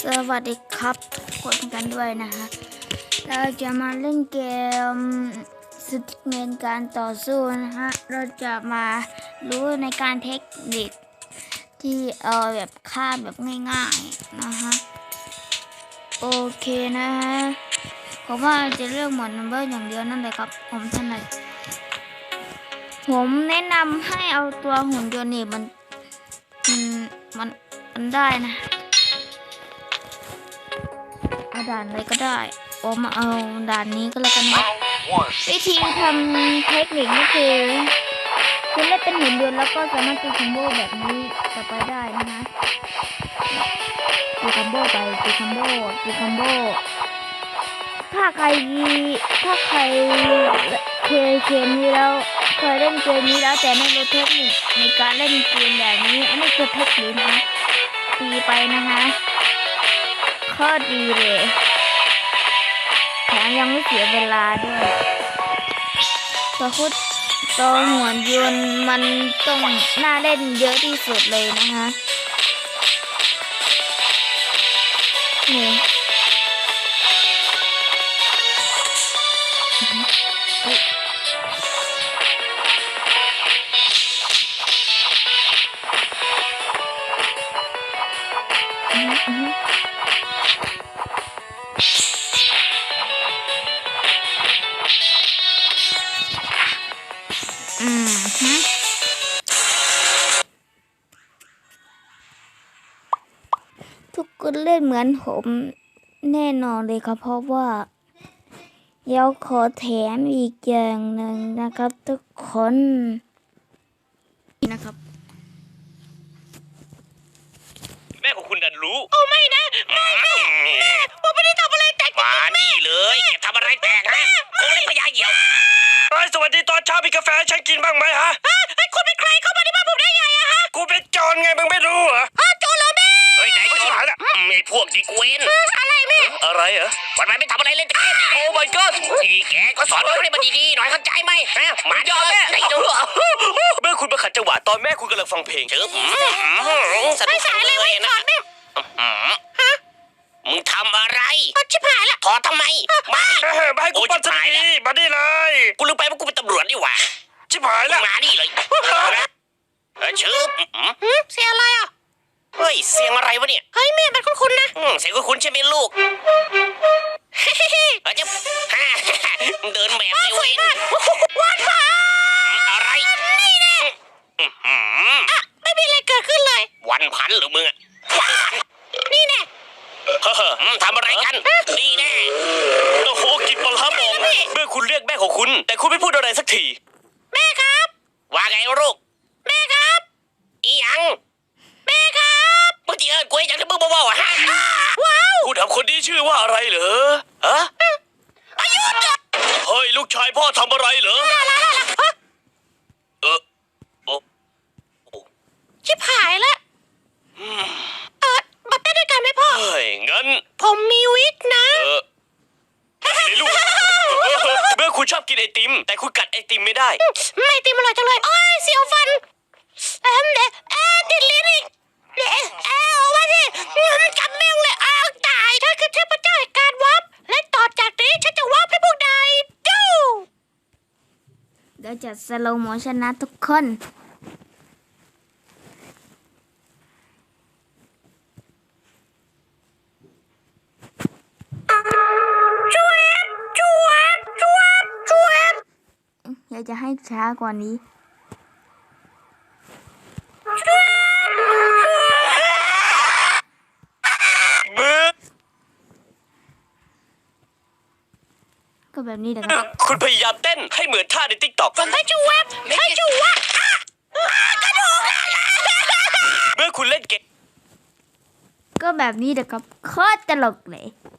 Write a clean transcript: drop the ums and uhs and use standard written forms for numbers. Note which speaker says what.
Speaker 1: สวัสดีครับทุกคนกันด้วยนะฮะเราจะมาเล่นเกมสติ๊กเมนการต่อสู้นะฮะเราจะมารู้ในการเทคนิคที่แบบฆ่าแบบง่ายๆนะฮะโอเคนะฮะผมว่าจะเลือกหมดนัมเบอร์อย่างเดียวนั่นเลยครับผมถนัดผมแนะนำให้เอาตัวหุ่นยนต์นี่มันได้นะเอาด่านอะไรก็ได้ผมมาเอาด่านนี้ก็แล้วกันนะวิธีทำเทคนิคนี่คือคุณเล่นเป็นหุ่นยนต์แล้วก็สามารถตีคอมโบแบบนี้ต่อไปได้นะคะตีคอมโบไปตีคอมโบถ้าใครเคยเกมนี้แล้วเคยเล่นเกมนี้แล้วแต่ไม่รู้เทคนิคในการเล่นเกมแบบนี้อันนี้คือเทคนิคนะตีไปนะคะข้อดีเลยแถมยังไม่เสียเวลาด้วยตัวหัวยนต์มันต้องน่าเล่นเยอะที่สุดเลยนะคะนี่ทุกคนเล่นเหมือนผมแน่นอนเลยครับเพราะว่าเดี๋ยวขอแถมอีกอย่างหนึ่งนะครับทุกคนนะครับ
Speaker 2: แม่ของคุณดันรู้
Speaker 3: โอ้ไม่นะแม่ผมไม่ได้ทำอะไรแตก
Speaker 2: มานี่เลยแกทำอะไรแตกฮะคงเล่นพญาเหี่ยวสวัสดีตอนเช้ามีกาแฟให้ฉันกินบ้างไหมฮะ
Speaker 3: คุณเป็นใครเข้ามาที่บ้านผมได้ไงอะฮะ
Speaker 2: กูเป็นโจรไงมึงไม่รู้เหรอ
Speaker 3: โจรเหรอแม่
Speaker 2: เฮ้ยไหนโจรมีพวกดีเกวน
Speaker 3: อะไรแม่
Speaker 2: อะไรเหรอ
Speaker 3: วันไม่ทำอะไรเล่นแต่
Speaker 2: โอ้ my god
Speaker 3: นี่แกก็สอนให้มันดีๆหน่อยเข้าใจไหมมา
Speaker 2: ยอมแม่
Speaker 3: ไอ้ดู
Speaker 2: เมื่อคุณมาขัดจังหวะตอนแม่คุณกำลังฟังเพลงเชิบ
Speaker 3: สนุกเลยนะ
Speaker 2: มึงทำอะไร
Speaker 3: ชิบหายละ
Speaker 2: ถอดทำไมมาให้กูปั้นสักทีมาดิเลยกูลืมไปว่ากูเป็นตำรวจนี่หว่าชิบหายละ
Speaker 3: มาดิเลย
Speaker 2: เชิบ
Speaker 3: เสียงอะไรอ่ะ
Speaker 2: เฮ้ยเสียงอะไรวะเนี่ย
Speaker 3: เฮ้ยแม่มันคุ้นๆนะ
Speaker 2: เสียงคุ้นๆใช่ไหมลูกจะเดินแบบไม่เว้น
Speaker 3: วันผ่าน
Speaker 2: อะไร
Speaker 3: นี่แน่ไม่มีอะไรเกิดขึ้นเลย
Speaker 2: วันพันหรือมึงอะวันพัน
Speaker 3: นี่แน่
Speaker 2: ทำอะไรกันนี่แน่โอ้โหกินปลาหมองเมื่อคุณเรียกแม่ของคุณแต่คุณไม่พูดอะไรสักที
Speaker 3: แม่ครับ
Speaker 2: ว่าไงลูก
Speaker 3: แม่ครับ
Speaker 2: อีหยัง
Speaker 3: แม่ครับ
Speaker 2: เมื่อกี้กูยังจะมึงบ้าๆฮะ
Speaker 3: ว้าว
Speaker 2: ผู้ทำคนนี้ชื่อว่าอะไรเหรอฮะ
Speaker 3: อายุ
Speaker 2: เฮ้ยลูกชายพ่อทำอะไรเหรอ
Speaker 3: ชิบหายแล้วมาเต้นด้วยกันไหมพ่อ
Speaker 2: เฮ้ยงั้น
Speaker 3: ผมมีวิกนะ
Speaker 2: นี่ลูกเมื่อคุณชอบกินไอติมแต่คุณกัดไอติมไม่ได้
Speaker 3: ไม่ติมอร่อยจังเลยโอ้ยเสียวฟันติดลิ้นอีกว่าสิจำแม่งเลยตายถ้าคือเทพเจ้าแห่งการวับและต่อจากนี้ฉันจะวับให้พวกนายดู
Speaker 1: เดี๋ยวจะสโลว์โมชั่นนะทุกคน อยากจะให้ช้ากว่านี้ก็แบบนี้แหละครับ
Speaker 2: คุณพยายามเต้นให้เหมือนท่าในติ๊กต็อก
Speaker 3: ให้จูวับกระดูก
Speaker 2: เมื่อคุณเล่นเกม
Speaker 1: ก็แบบนี้แหละครับโคตรตลกเลย